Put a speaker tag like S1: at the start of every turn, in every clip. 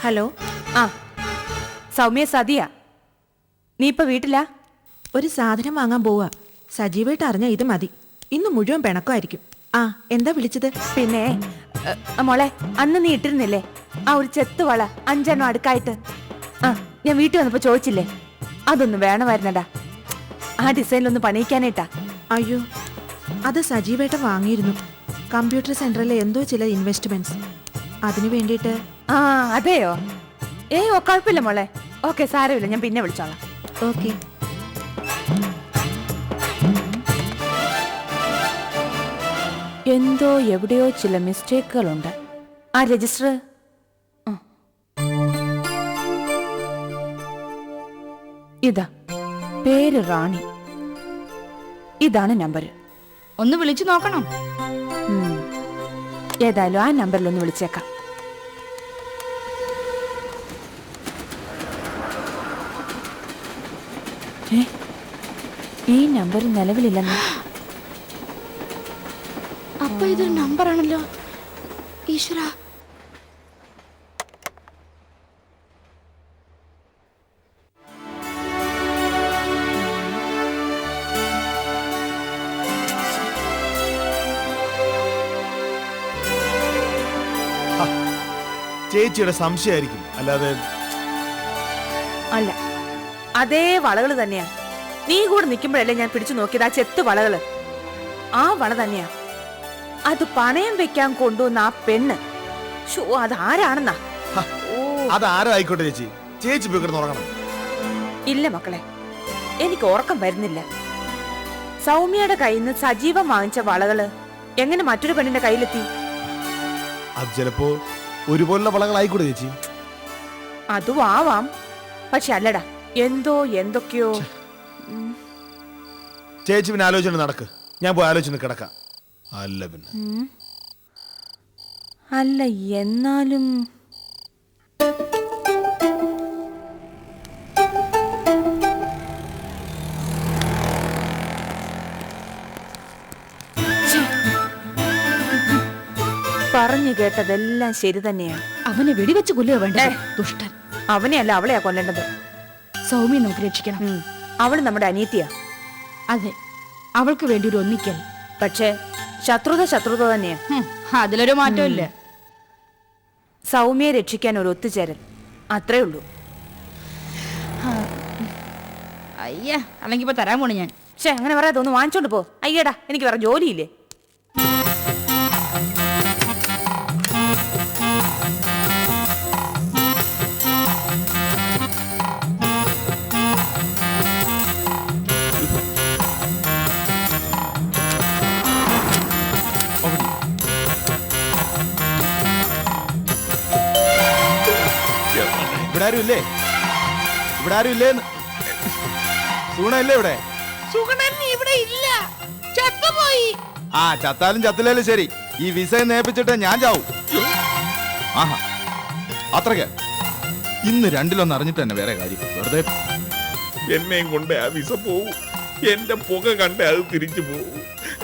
S1: Hello.
S2: ആ സൗമ്യ സതിയാ. നീ ഇപ്പൊ വീട്ടിലാ?
S1: ഒരു സാധനം വാങ്ങാൻ പോവാ. സജീവായിട്ട് അറിഞ്ഞാൽ ഇത് മതി. ഇന്ന് മുഴുവൻ പിണക്കമായിരിക്കും. ആ എന്താ വിളിച്ചത്?
S2: പിന്നെ മോളെ, അന്ന് നീ ഇട്ടിരുന്നില്ലേ ആ ഒരു ചെത്ത് വള 5 എണ്ണം അടുക്കായിട്ട്? ആ ഞാൻ വീട്ടിൽ വന്നപ്പോ ചോദിച്ചില്ലേ, അതൊന്നും വേണമായിരുന്നടാ. ആ ഡിസൈനിലൊന്ന് പണിയിക്കാനായിട്ടാ.
S1: അയ്യോ, അത് സജീവായിട്ട് വാങ്ങിയിരുന്നു. കമ്പ്യൂട്ടർ സെന്ററിലെ എന്തോ ചില ഇൻവെസ്റ്റ്മെന്റ്സ്, അതിനു വേണ്ടിയിട്ട്.
S2: ആ അതെയോ? ഓ കുഴപ്പമില്ല മോളെ. ഓക്കെ, സാരമില്ല, ഞാൻ പിന്നെ വിളിച്ചോളാം.
S1: ഓക്കെ.
S2: എന്തോ എവിടെയോ ചില മിസ്റ്റേക്കുകളുണ്ട്. ആ രജിസ്റ്റർ ഇതാ, പേര് റാണി. ഇതാണ് നമ്പർ.
S3: ഒന്ന് വിളിച്ചു നോക്കണം.
S2: ഏതായാലും ആ നമ്പറിൽ ഒന്ന് വിളിച്ചേക്കാം. ഈ നമ്പർ നിലവിലില്ലെന്ന്.
S3: അപ്പൊ ഇതൊരു നമ്പറാണല്ലോ. ഈശ്വര,
S4: ചേച്ചിയുടെ സംശയമായിരിക്കും, അല്ലാതെ
S2: അല്ല. അതേ വളകള് തന്നെയാ. നീ കൂടെ നിൽക്കുമ്പോഴല്ലേ ഞാൻ പിടിച്ചു നോക്കിയത് ആ ചെത്ത് വളകള്. ആ വള തന്നെയാ. അത് പണയം വെക്കാൻ കൊണ്ടുവന്ന ആ പെണ്ണ്. അതാരാണെന്നാ?
S4: അതാരായിക്കോട്ടെ ചേച്ചി, ചേച്ചി പോയി കിടന്ന് ഉറങ്ങണം.
S2: ഇല്ല മക്കളെ, എനിക്ക് ഉറക്കം വരുന്നില്ല. സൗമ്യയുടെ കയ്യിൽ നിന്ന് സജീവം വാങ്ങിച്ച വളകള് എങ്ങനെ മറ്റൊരു പെണ്ണിന്റെ കയ്യിലെത്തി?
S4: അത് ചിലപ്പോ ഒരുപോലുള്ള വളകളായിക്കോട്ടെ ചേച്ചി.
S2: അതും ആവാം, പക്ഷെ അല്ലടാ, എന്തൊക്കെയോ.
S4: ചേച്ചി പിന്നെ ആലോചന നടക്ക്, ഞാൻ പോയി ആലോചന കിടക്കാം. അല്ല പിന്നെ
S2: അല്ല, എന്നാലും പറഞ്ഞു കേട്ടതെല്ലാം ശരി തന്നെയാ.
S3: അവനെ വെടിവെച്ച് കൊല്ലുക വേണ്ടേ? ദുഷ്ടൻ.
S2: അവനെയല്ല, അവളെയാ കൊല്ലേണ്ടത്.
S3: സൗമ്യ നമുക്ക് രക്ഷിക്കണം.
S2: അവള് നമ്മുടെ അനീതിയാ.
S3: അതെ, അവൾക്ക് വേണ്ടി ഒരു ഒന്നിക്കൽ.
S2: പക്ഷേ ശത്രുത തന്നെയാ.
S3: അതിലൊരു മാറ്റമില്ല.
S2: സൗമ്യയെ രക്ഷിക്കാൻ ഒരു ഒത്തുചേരൽ, അത്രേ ഉള്ളൂ.
S3: അയ്യ, അല്ലെങ്കിൽ ഇപ്പൊ തരാൻ പോണു ഞാൻ.
S2: അങ്ങനെ പറയാതെ ഒന്ന് വാങ്ങിച്ചോണ്ട് പോ. അയ്യടാ, എനിക്ക് വേറെ ജോലിയില്ലേ?
S4: ഇവിടെ ആരും ഇല്ലേ? സൂണല്ലേ ഇവിടെ?
S3: ഇവിടെ ഇല്ല, ചത്തുപോയി.
S4: ആ, ചത്താലും ചത്തില്ലേലും ശരി, ഈ വിസ നേപ്പിച്ചിട്ട് ഞാൻ ചാവും. ആഹാ, അത്രയ്ക്ക് ഇന്ന് രണ്ടിലൊന്ന് അറിഞ്ഞിട്ട് തന്നെ വേറെ കാര്യം. വെറുതെ
S5: എന്നെയും കൊണ്ട് ആ വിസ പോവും. എന്റെ പുക കണ്ട് അത് തിരിച്ചു പോവും.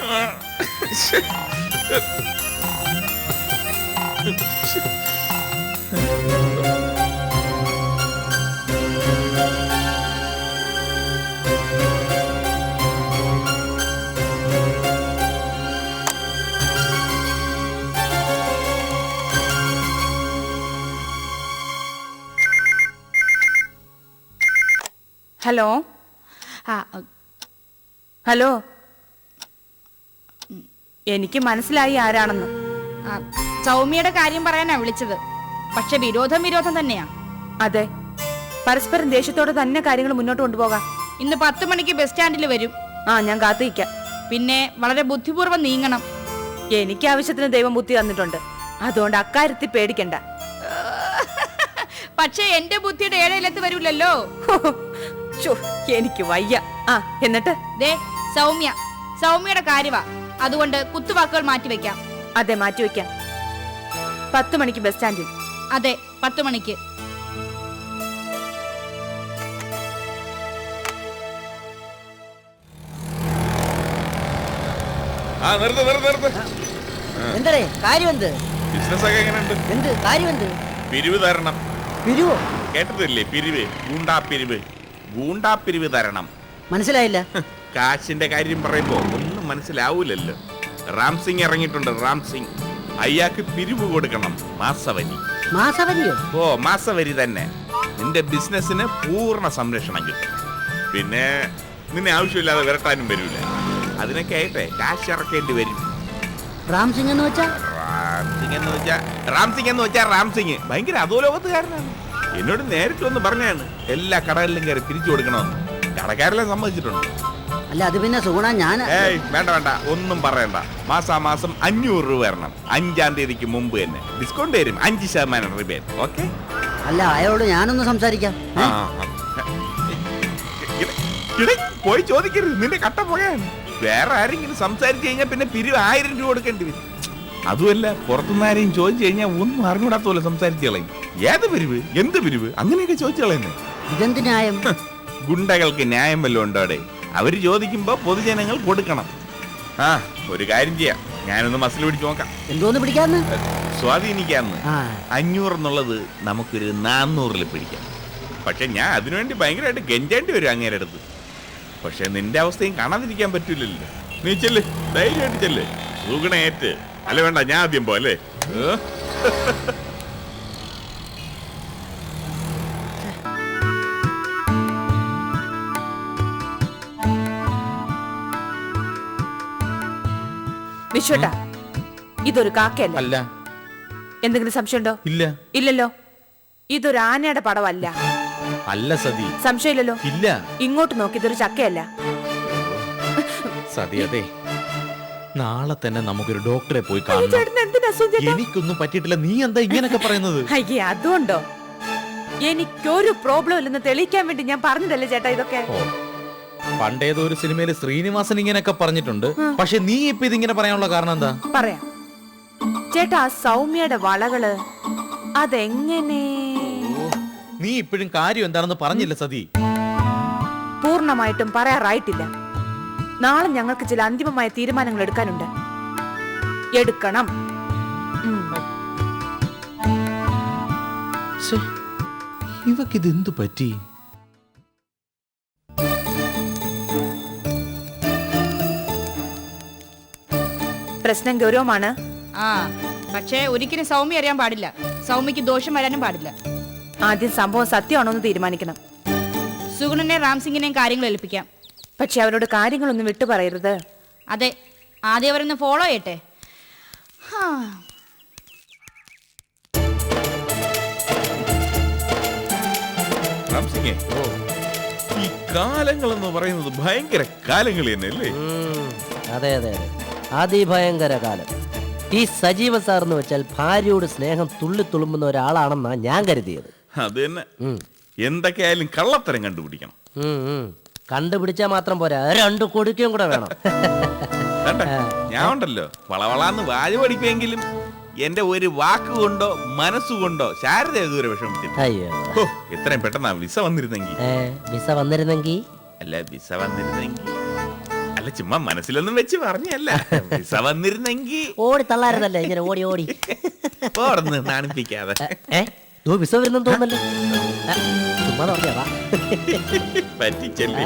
S2: ഹലോ. ഹലോ, എനിക്ക് മനസ്സിലായി ആരാണെന്ന്.
S3: സൗമ്യയുടെ കാര്യം പറയാനാ വിളിച്ചത്. പക്ഷെ വിരോധം തന്നെയാ.
S2: അതെ, പരസ്പരം ദേഷ്യത്തോടെ തന്നെ കാര്യങ്ങൾ മുന്നോട്ട് കൊണ്ടുപോകാം.
S3: ഇന്ന് 10 മണിക്ക് ബസ് സ്റ്റാൻഡിൽ വരും.
S2: ഞാൻ കാത്തിരിക്കാം.
S3: പിന്നെ വളരെ ബുദ്ധിപൂർവ്വം നീങ്ങണം.
S2: എനിക്ക് ആവശ്യത്തിന് ദൈവം ബുദ്ധി തന്നിട്ടുണ്ട്, അതുകൊണ്ട് അക്കാര്യത്തിൽ പേടിക്കണ്ട.
S3: പക്ഷെ എന്റെ ബുദ്ധിയുടെ ഏഴയിലെത്ത് വരൂലല്ലോ.
S2: എനിക്ക് വയ്യ. എന്നിട്ട്
S3: സൗമ്യയുടെ കാര്യവാ, അതുകൊണ്ട് കുത്തുവാക്കുകൾ മാറ്റിവെക്കാം.
S2: അതെ, മാറ്റിവെക്കാം. 10 മണിക്ക് ബസ് സ്റ്റാൻഡിൽ.
S3: അതെ, 10 മണിക്ക്.
S6: എന്തേ കാര്യം? എന്ത്
S5: ബിസിനസ് ഒക്കെ എങ്ങനെയുണ്ട്?
S6: എന്ത് കാര്യം? എന്ത്
S5: പിരിവ് തരണം.
S6: പിരിവോ?
S5: കേട്ടതില്ലേ? പിരിവ്, ഗൂണ്ടാപ്പിരിവ്. ഗൂണ്ടാപ്പിരിവ് തരണം.
S6: മനസ്സിലായില്ല.
S5: കാശിന്റെ കാര്യം പറയുമ്പോ ഒന്നും മനസ്സിലാവൂലല്ലോ. റാം സിംഗ് ഇറങ്ങിയിട്ടുണ്ട്. റാം സിംഗ് അയാൾക്ക് പിരിവ് കൊടുക്കണം. മാസവരി.
S6: മാസവരിയോ?
S5: ഓ, മാസവരി തന്നെ. നിന്റെ ബിസിനസിന് പൂർണ്ണ സംരക്ഷണം കിട്ടും. പിന്നെ നിന്നെ ആവശ്യമില്ലാതെ വിരട്ടാനും വരൂല. അതിനൊക്കെ ആയിട്ടെ കാശ് ഇറക്കേണ്ടി വരും.
S6: റാം സിംഗ് എന്ന് വെച്ചാ?
S5: റാം സിംഗ് ഭയങ്കര അധോലോകത്തുകാരനാണ്. എന്നോട് നേരിട്ട് വന്ന് പറഞ്ഞാണ് എല്ലാ കടകളിലും കയറി പിരിച്ചു കൊടുക്കണമെന്ന്. കടക്കാരെല്ലാം സമ്മതിച്ചിട്ടുണ്ട്.
S6: അല്ല അത് പിന്നെ സുഗുണ ഞാൻ.
S5: ഏയ് വേണ്ട, ഒന്നും പറയണ്ട. മാസാമാസം 500 രൂപ വരണം. 5-ാം തീയതിക്ക് മുമ്പ് തന്നെ ഡിസ്കൗണ്ട് തരും. 5% റിബേറ്റ്. ഓക്കെ?
S6: അല്ല അയാളോട് ഞാനൊന്ന് സംസാരിക്കാം.
S5: പോയി ചോദിക്കരുത്, നിന്റെ കട്ട പോയാണ്. വേറെ ആരെങ്കിലും സംസാരിച്ചു കഴിഞ്ഞാൽ പിന്നെ പിരിവ് 1000 രൂപ കൊടുക്കേണ്ടി വരും. അതുമല്ല, പുറത്തുനിന്ന് ആരെയും ചോദിച്ചു കഴിഞ്ഞാൽ ഒന്നും അറിഞ്ഞൂടാത്ത പോലെ സംസാരിച്ചു കളയും. ഏത് പിരിവ്, എന്ത് പിരിവ്, അങ്ങനെയൊക്കെ ചോദിച്ചു കളയുന്നേ.
S6: ഇതെന്ത് ന്യായം?
S5: ഗുണ്ടകൾക്ക് ന്യായം വല്ലതും ഉണ്ടോടെ? അവര് ചോദിക്കുമ്പോ പൊതുജനങ്ങൾ കൊടുക്കണം. ഒരു കാര്യം ചെയ്യാം, ഞാനൊന്ന് മസിൽ പിടിച്ച് നോക്കാം.
S6: എന്തോന്ന് പിടിക്കാന്ന്?
S5: സ്വാധീനിക്കാന്ന്. 500 എന്നുള്ളത് നമുക്കൊരു 400-ൽ പിടിക്കാം. പക്ഷെ ഞാൻ അതിനുവേണ്ടി ഭയങ്കരമായിട്ട് ഗെഞ്ചേണ്ടി വരും അങ്ങേരെ അടുത്ത്. പക്ഷെ നിന്റെ അവസ്ഥയും കാണാതിരിക്കാൻ പറ്റൂലല്ലോ. നീ ചെല്ല്, ധൈര്യമായിട്ട് ചെല്ല്. സുഗുണേറ്റ്. അല്ല വേണ്ട, ഞാൻ ആദ്യം പോലെ.
S2: വിശ്വട്ടാ, ഇതൊരു കാക്കയല്ല.
S4: അല്ല.
S2: എന്തെങ്കിലും സംശയമുണ്ടോ?
S4: ഇല്ല.
S2: ഇല്ലല്ലോ. ഇതൊരു ആനയുടെ പടമല്ല.
S4: അല്ല സതി.
S2: സംശയമില്ലല്ലോ?
S4: ഇല്ല.
S2: ഇങ്ങോട്ട് നോക്കി, ഇതൊരു ചക്കയല്ല.
S4: സതി, അതെ, നാളെ തന്നെ നമുക്കൊരു ഡോക്ടറെ പോയി കാണണം. എനിക്കൊന്നും പറ്റിയിട്ടില്ല. നീ എന്താ ഇങ്ങനൊക്കെ പറയുന്നത്?
S2: അയ്യേ, അതുകൊണ്ടോ? എനിക്കൊരു പ്രോബ്ലം ഇല്ലെന്ന് തെളിയിക്കാൻ വേണ്ടി ഞാൻ പറഞ്ഞതല്ലേ ചേട്ടാ ഇതൊക്കെ.
S4: പണ്ടേതോ ഒരു സിനിമയില് ശ്രീനിവാസൻ ഇങ്ങനെയൊക്കെ പറഞ്ഞിട്ടുണ്ട്. പക്ഷെ നീ ഇപ്പൊ ഇതിങ്ങനെ പറയാനുള്ള കാരണം എന്താ?
S2: പറയാം ചേട്ടാ. സൗമ്യയുടെ വളകള് അതെങ്ങനെ?
S4: നീ ഇപ്പോഴും കാര്യം എന്താണെന്ന് പറഞ്ഞില്ല സതി.
S2: പൂർണ്ണമായിട്ടും പറയാറായിട്ടില്ല. നാളെ ഞങ്ങൾക്ക് ചില അന്തിമമായ തീരുമാനങ്ങൾ എടുക്കാനുണ്ട്. എടുക്കണം.
S4: ഇവക്കിത് എന്തു പറ്റി?
S2: പ്രശ്നം ഗൗരവമാണ്.
S3: പക്ഷേ ഒരിക്കലും സൗമ്യ അറിയാൻ പാടില്ല. സൗമ്യക്ക് ദോഷം വരാനും പാടില്ല.
S2: ആദ്യം സംഭവം സത്യമാണോന്ന് തീരുമാനിക്കണം.
S3: സുഗുണനെ റാംസിംഗിനെയും കാര്യങ്ങൾ ഏൽപ്പിക്കാം.
S2: പക്ഷെ അവരോട് കാര്യങ്ങളൊന്നും വിട്ടു പറയരുത്.
S3: അതെ, ആദ്യം അവരൊന്ന് ഫോളോ ചെയ്യട്ടെ.
S5: ഈ കാലങ്ങൾ എന്ന് പറയുന്നത് ഭയങ്കര കാലങ്ങൾ തന്നെയല്ലേ?
S6: അതെ അതെ അതെ, അതിഭയങ്കര കാലം. ഈ സജീവ സാർ എന്ന് വെച്ചാൽ ഭാര്യയോട് സ്നേഹം തുള്ളി തുളുമ്പുന്ന ഒരാളാണെന്നാ ഞാൻ കരുതിയത്.
S5: അത് തന്നെ. എന്തൊക്കെയായാലും കള്ളത്തരം കണ്ടുപിടിക്കണം.
S6: കണ്ടുപിടിച്ചാ മാത്രം പോരാ, 2 കൊടുക്കുകയും കൂടെ വേണം.
S5: ഞാൻ ഉണ്ടല്ലോ വളവളാന്ന് വാഴ പഠിക്കുമെങ്കിലും എന്റെ ഒരു വാക്കുകൊണ്ടോ മനസ്സുകൊണ്ടോ ശാരദ ഇതുവരെ വിഷമിച്ചില്ല.
S6: അയ്യോ,
S5: എത്രയും പെട്ടെന്നാ വിസ വന്നിരുന്നെങ്കിൽ.
S6: വിസ വന്നിരുന്നെങ്കിൽ
S5: അല്ല, ചുമ്മാ മനസ്സിലൊന്നും വെച്ച് പറഞ്ഞല്ല. വിസ വന്നിരുന്നെങ്കിൽ
S6: ഓടി തള്ളായിരുന്നല്ലേ ഇങ്ങനെ ഓടി ഓടി
S5: ഓർന്ന് നാണിപ്പിക്കാതെ.
S6: വിസ വരുന്നെന്ന് തോന്നല്ലോ. ചുമ്മാ പറഞ്ഞാ
S5: പറ്റിച്ചല്ലേ.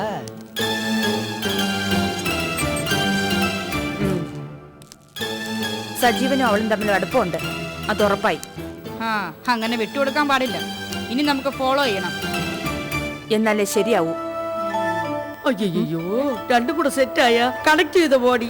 S2: സജീവനും അവളും തമ്മിൽ അടുപ്പമുണ്ട്, അത് ഉറപ്പായി.
S3: അങ്ങനെ വിട്ടുകൊടുക്കാൻ പാടില്ല. ഇനി നമുക്ക് ഫോളോ ചെയ്യണം.
S2: എന്നാലേ ശരിയാവൂ.
S6: അയ്യോ, രണ്ടും കൂടെ സെറ്റായ കണക്ട് ചെയ്ത ബോഡി.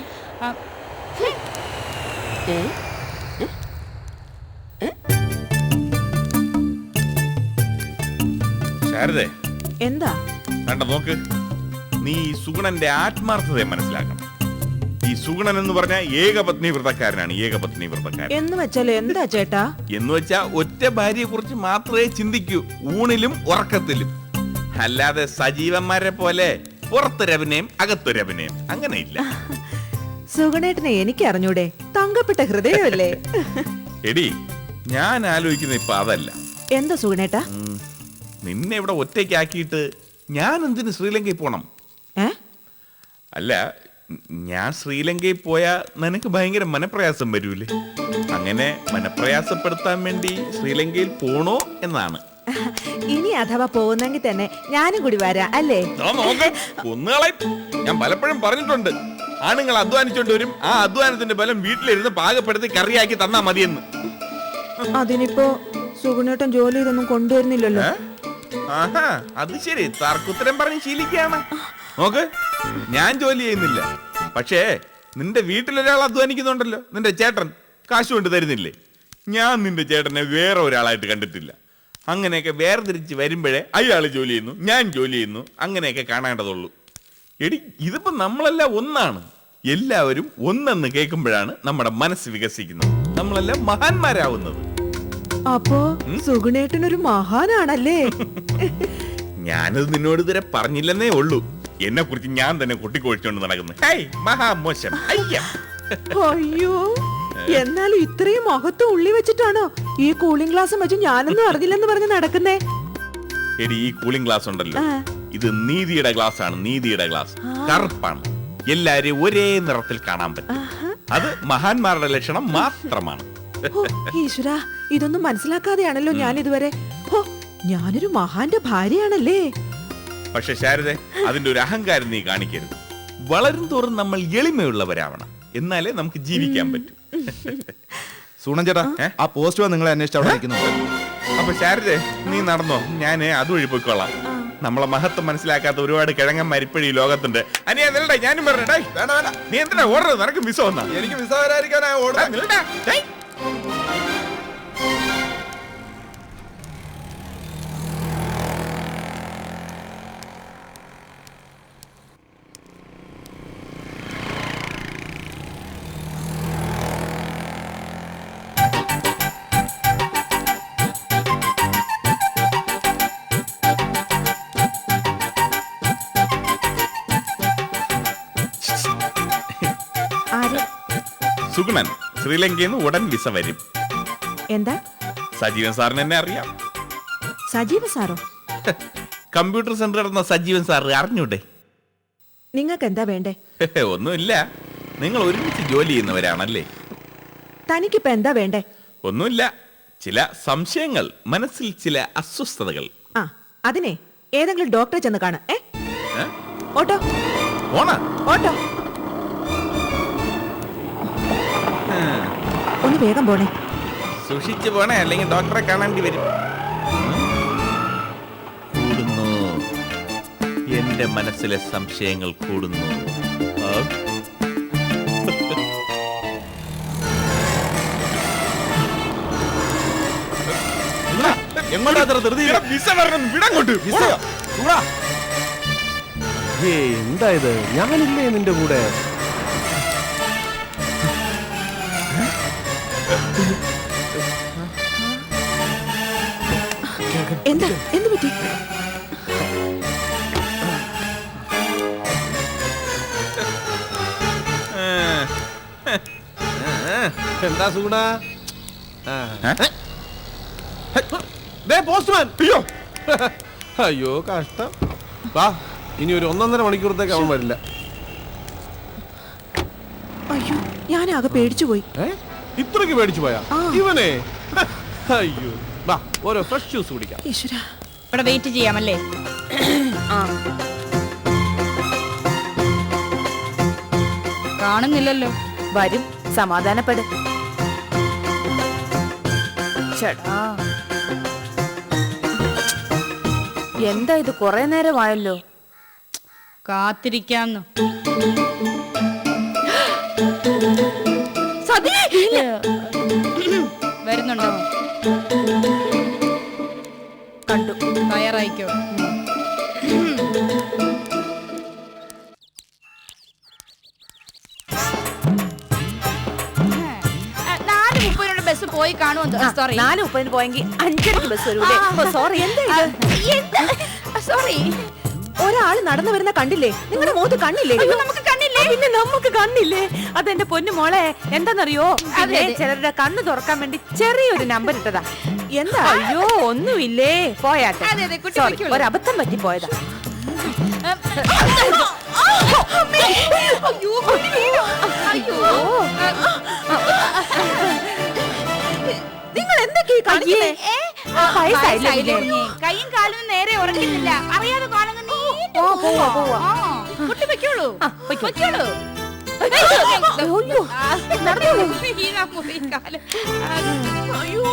S5: ശാരദേ,
S2: എന്താ?
S5: കണ്ട നോക്ക്, നീ സുഗുണന്റെ ആത്മാർത്ഥതയെ മനസ്സിലാക്കണം. ഈ സുഗുണൻ എന്ന് പറഞ്ഞ ഏകപത്നി വ്രതക്കാരനാണ്. ഏകപത്നി വ്രതക്കാരൻ
S1: എന്ന് വെച്ചാൽ എന്താ ചേട്ടാ?
S5: എന്ന് വെച്ചാ ഒറ്റ ഭാര്യയെ കുറിച്ച് മാത്രമേ ചിന്തിക്കൂ, ഊണിലും ഉറക്കത്തിലും. അല്ലാതെ സജീവന്മാരെ പോലെ പുറത്തൊരഭിനയം അകത്തൊരഭിനയം അങ്ങനെയില്ല.
S1: സുഗണേട്ടനെ എനിക്ക് അറിഞ്ഞൂടെ? തങ്കപ്പെട്ട ഹൃദയമല്ലേ?
S5: എടി, ഞാൻ ആലോചിക്കുന്ന ഇപ്പൊ അതല്ല.
S1: എന്താ സുഗണേട്ടാ?
S5: നിന്നെ ഇവിടെ ഒറ്റയ്ക്കാക്കിയിട്ട് ഞാൻ എന്തിന് ശ്രീലങ്കയിൽ പോണം? അല്ല, ഞാൻ ശ്രീലങ്കയിൽ പോയാൽ നിനക്ക് ഭയങ്കര മനപ്രയാസം വരൂലേ? അങ്ങനെ മനപ്രയാസപ്പെടുത്താൻ വേണ്ടി ശ്രീലങ്കയിൽ പോണോ എന്നാണ്.
S1: ഇനി അഥവാ പോകുന്നെങ്കിൽ തന്നെ ഞാനും കൂടി വരാം അല്ലേ?
S5: കുന്നുകളെ ഞാൻ പലപ്പോഴും പറഞ്ഞിട്ടുണ്ട്, ആണുങ്ങൾ അധ്വാനിച്ചോണ്ട് വരും, ആ അധ്വാനത്തിന്റെ ബലം വീട്ടിലിരുന്ന് പാകപ്പെടുത്തി കറിയാക്കി തന്നാ മതിയെന്ന്.
S1: അതിനിപ്പോ സുഗുണേട്ടൻ ജോലി ഇതൊന്നും കൊണ്ടുവരുന്നില്ലല്ലോ.
S5: ആഹാ, അത് ശരി, തർക്കുത്തരം പറഞ്ഞ് ശീലിക്കുകയാണ്. നോക്ക്, ഞാൻ ജോലി ചെയ്യുന്നില്ല, പക്ഷേ നിന്റെ വീട്ടിലൊരാൾ അധ്വാനിക്കുന്നുണ്ടല്ലോ, നിന്റെ ചേട്ടൻ കാശ് കൊണ്ട് തരുന്നില്ലേ? ഞാൻ നിന്റെ ചേട്ടനെ വേറെ ഒരാളായിട്ട് കണ്ടിട്ടില്ല. അങ്ങനെയൊക്കെ വേർതിരിച്ച് വരുമ്പോഴേ അയാൾ ജോലി ചെയ്യുന്നു, ഞാൻ ജോലി ചെയ്യുന്നു, അങ്ങനെയൊക്കെ കാണേണ്ടതുള്ളൂ. എടി, ഇതിപ്പോ നമ്മളെല്ലാം ഒന്നാണ്. എല്ലാവരും ഒന്നെന്ന് കേൾക്കുമ്പോഴാണ് നമ്മുടെ മനസ്സ് വികസിക്കുന്നത്, നമ്മളെല്ലാം മഹാന്മാരാവുന്നത്.
S1: അപ്പോ സുഗുണേട്ടനൊരു മഹാനാണല്ലേ?
S5: ഞാനത് നിന്നോട് ഇതുവരെ പറഞ്ഞില്ലെന്നേ ഉള്ളൂ. എന്നെ കുറിച്ച് ഞാൻ തന്നെ കൊട്ടിക്കൊഴിച്ചോണ്ട് നടക്കുന്നു. മഹാമോശം.
S1: അയ്യോ, എന്നാലും ഇത്രയും മഹത്വം ഉള്ളി വെച്ചിട്ടാണോ ഈ കൂളിംഗ് ഗ്ലാസ് വെച്ച് ഞാനൊന്നും അറിഞ്ഞില്ലെന്ന് പറഞ്ഞ് നടക്കുന്നേ?
S5: എടി, ഈ കൂളിംഗ് ഗ്ലാസ് ഉണ്ടല്ലോ, ഇത് നീതിയുടെ ഗ്ലാസ് ആണ്. നീതിയുടെ ഗ്ലാസ് കറുപ്പാണ്, എല്ലാരെയും ഒരേ നിറത്തിൽ കാണാൻ പറ്റും. അത് മഹാന്മാരുടെ ലക്ഷണം മാത്രമാണ്.
S1: ഈശ്വരാ, ഇതൊന്നും മനസ്സിലാക്കാതെയാണല്ലോ ഞാൻ ഇതുവരെ. ഞാനൊരു മഹാന്റെ ഭാര്യയാണല്ലേ?
S5: പക്ഷെ ശാരദേ, അതിന്റെ ഒരു അഹങ്കാരം നീ കാണിക്കരുത്. വളരും തോറും നമ്മൾ എളിമയുള്ളവരാവണം, എന്നാലേ നമുക്ക് ജീവിക്കാൻ പറ്റും.
S4: സൂണൻ ചേട്ടാ, ആ പോസ്റ്റ് നിങ്ങളെ അന്വേഷിച്ച് അവിടെ നിൽക്കുന്നുണ്ട്.
S5: അപ്പൊ ശാരദേ, നീ നടന്നോ, ഞാൻ അതുവഴി പോയിക്കോളാം. നമ്മളെ മഹത്വം മനസ്സിലാക്കാത്ത ഒരുപാട് കിഴങ്ങന്മാർ ഇപ്പോഴും ഈ ലോകത്തുണ്ട്. അനിയാ നിലടേ, ഞാനും പറഞ്ഞേ. നീ എന്തിനാ ഓടുന്നത്? നിനക്ക് വിസ വന്നാ?
S4: എനിക്ക് വിസ വരാതിരിക്കാനാ ഓടുന്നത്.
S5: സുഗുണൻ, ശ്രീലങ്കയിൽ നിന്ന് ഉടൻ വിസ വരും.
S1: എന്താ?
S5: സജീവൻ സാറിന് എന്നെ അറിയാം.
S1: സജീവ സാറോ?
S5: കമ്പ്യൂട്ടർ സെന്റർ നടന്ന സജീവൻ സാർ അറിഞ്ഞൂടെ?
S1: നിങ്ങൾക്ക് എന്താ വേണ്ടേ?
S5: ഒന്നുമില്ല, നിങ്ങൾ ഒരുമിച്ച് ജോലി ചെയ്യുന്നവരാണല്ലേ?
S1: തനിക്കിപ്പോ എന്താ വേണ്ടേ?
S5: ഒന്നുമില്ല, ചില സംശയങ്ങൾ, മനസ്സിൽ ചില അസ്വസ്ഥതകൾ.
S1: ആ, അതിനെ ഏതെങ്കിലും ഡോക്ടറെ ചെന്ന് കാണാം. ഓട്ടോ
S5: ഓണാ
S1: ഓട്ടോ, ഒന്ന് വേഗം പോണേ.
S5: സൂക്ഷിച്ചു പോണേ, അല്ലെങ്കിൽ ഡോക്ടറെ കാണേണ്ടി വരും. കൂടുന്നു, എന്റെ മനസ്സിലെ സംശയങ്ങൾ കൂടുന്നു.
S7: എന്താ ഇത്? ഞാനില്ലേ നിന്റെ കൂടെ?
S1: എന്താ? എന്ത് പറ്റി?
S7: എന്താ സുഗുണ? പോസ്റ്റ്മാൻ! അയ്യോ അയ്യോ, കഷ്ടം. വാ, ഇനി ഒരു 1.5 മണിക്കൂറത്തേക്ക് അവൻ വരില്ല.
S1: അയ്യോ, ഞാനാകെ പേടിച്ചു പോയി.
S7: ഇത്രക്ക് പേടിച്ചു പോയാ ഇവനെ? അയ്യോ, വാ, ഓരോ ഫ്രഷ് ജ്യൂസ് കുടിക്കാം.
S1: ഈശ്വരാ,
S3: ഇവിടെ വെയിറ്റ് ചെയ്യാമല്ലേ? കാണുന്നില്ലല്ലോ.
S2: വരും, സമാധാനപ്പെട്. ചേട്ടാ, എന്താ ഇത്? കുറെ നേരമായല്ലോ.
S3: കാത്തിരിക്കാന്ന്. വരുന്നുണ്ടോ?
S2: കണ്ടു.
S3: തയ്യാറായിക്കോ. ബസ് പോയി കാണുമോ? സോറി,
S2: 4:30 പോയെങ്കിൽ 5:30 ബസ് വരൂലേ? സോറി.
S3: സോറി.
S1: ഒരാള് നടന്നു വരുന്ന കണ്ടില്ലേ? നിങ്ങളുടെ മുഖത്ത് കണ്ണില്ലേ?
S2: നമുക്ക് കണ്ണില്ലേ? പിന്നെ നമുക്ക് കണ്ണില്ലേ? അതെന്റെ പൊന്നു മോളെ, എന്താന്നറിയോ, ചിലരുടെ കണ്ണ് തുറക്കാൻ വേണ്ടി ചെറിയൊരു നമ്പർ ഇട്ടതാ.
S1: എന്താ?
S2: അയ്യോ, ഒന്നുമില്ലേ, പോയാട്ടെ. Sorry, ഒരബദ്ധം പറ്റി പോയതാ.
S1: നിങ്ങൾ എന്തൊക്കെയാ കാണിക്കുന്നേ?
S2: വയസ്സായില്ലേ
S3: വയസ്സായില്ലേ
S2: കുഞ്ഞേ?
S3: കുഞ്ഞേ? കൈയും കാലും നേരെ ഉറങ്ങുന്നില്ല അറിയാതെ കാലങ്ങ് നീണ്ടു
S2: ഓ, പോവാ, പോവാ.
S3: കുട്ടി വെക്കോളൂ
S2: ആ, പൊയ്ക്കോ.
S3: വെക്കോളൂ
S2: അയ്യോ, നടന്നോളൂ.
S3: അയ്യോ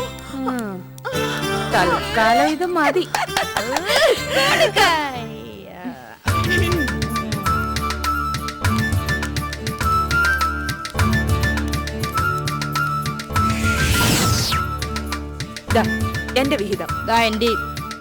S2: തൽക്കാലം ഇത് മതി. ദാ, എന്റെ വിഹിതം.
S3: എന്റെ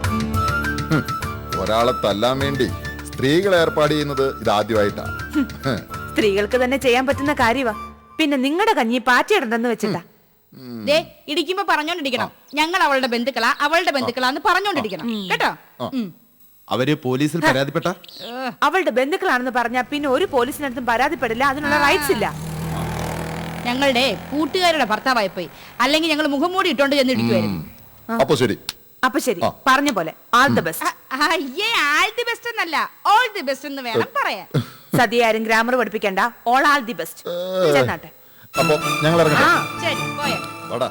S8: ഒരാളെ തല്ലാൻ വേണ്ടി സ്ത്രീകൾ ഏർപ്പാട് ചെയ്യുന്നത് ഇതാദ്യമായിട്ടാ.
S2: സ്ത്രീകൾക്ക് തന്നെ ചെയ്യാൻ പറ്റുന്ന കാര്യവാ. പിന്നെ നിങ്ങളുടെ കഞ്ഞി പാറ്റിയിടണ്ടെന്ന് വെച്ചിട്ടാ.
S3: ദേ ഇടിക്കുമ്പോ പറഞ്ഞോണ്ടിരിക്കണം ഞങ്ങൾ അവളുടെ ബന്ധുക്കളാ അവളുടെ ബന്ധുക്കളാന്ന് പറഞ്ഞോണ്ടിരിക്കണം കേട്ടോ
S4: അവര് പോലീസിൽ പരാതിപ്പെട്ട
S2: അവളുടെ ബന്ധുക്കളാണെന്ന് പറഞ്ഞാ പിന്നെ ഒരു പോലീസിനടുത്തും പരാതിപ്പെടില്ല. അതിനുള്ള റൈറ്റ്സ് ഇല്ല.
S3: ഞങ്ങളുടെ കൂട്ടുകാരുടെ ഭർത്താവായി പോയി അല്ലെങ്കിൽ ഞങ്ങൾ മുഖംമൂടി ഇട്ടോണ്ട് ചെന്ന് ഇടിക്കുമായിരുന്നു
S8: അപ്പൊ ശരി.
S2: അപ്പൊ ശരി, പറഞ്ഞ പോലെ ആൾ ദ ബെസ്റ്റ്.
S3: അയ്യേ ആൾ ദി ബെസ്റ്റ് എന്നല്ല ഓൾ ദി ബെസ്റ്റ് എന്ന് വേണം പറയാൻ
S2: സദ്യ ആരും ഗ്രാമർ പഠിപ്പിക്കണ്ട. All all the best. ചെന്നാട്ടെ.
S8: അപ്പൊ ഞങ്ങൾ ഇറങ്ങട്ടെ.
S3: ശരി പോയ
S8: വാടാ.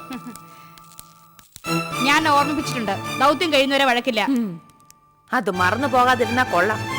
S3: ഞാൻ ഓർമ്മിപ്പിച്ചിട്ടുണ്ട് ദൗത്യം കഴിയുന്നവരെ വഴക്കില്ല
S2: അത് മറന്നു പോകാതിരുന്നാ കൊള്ളാം.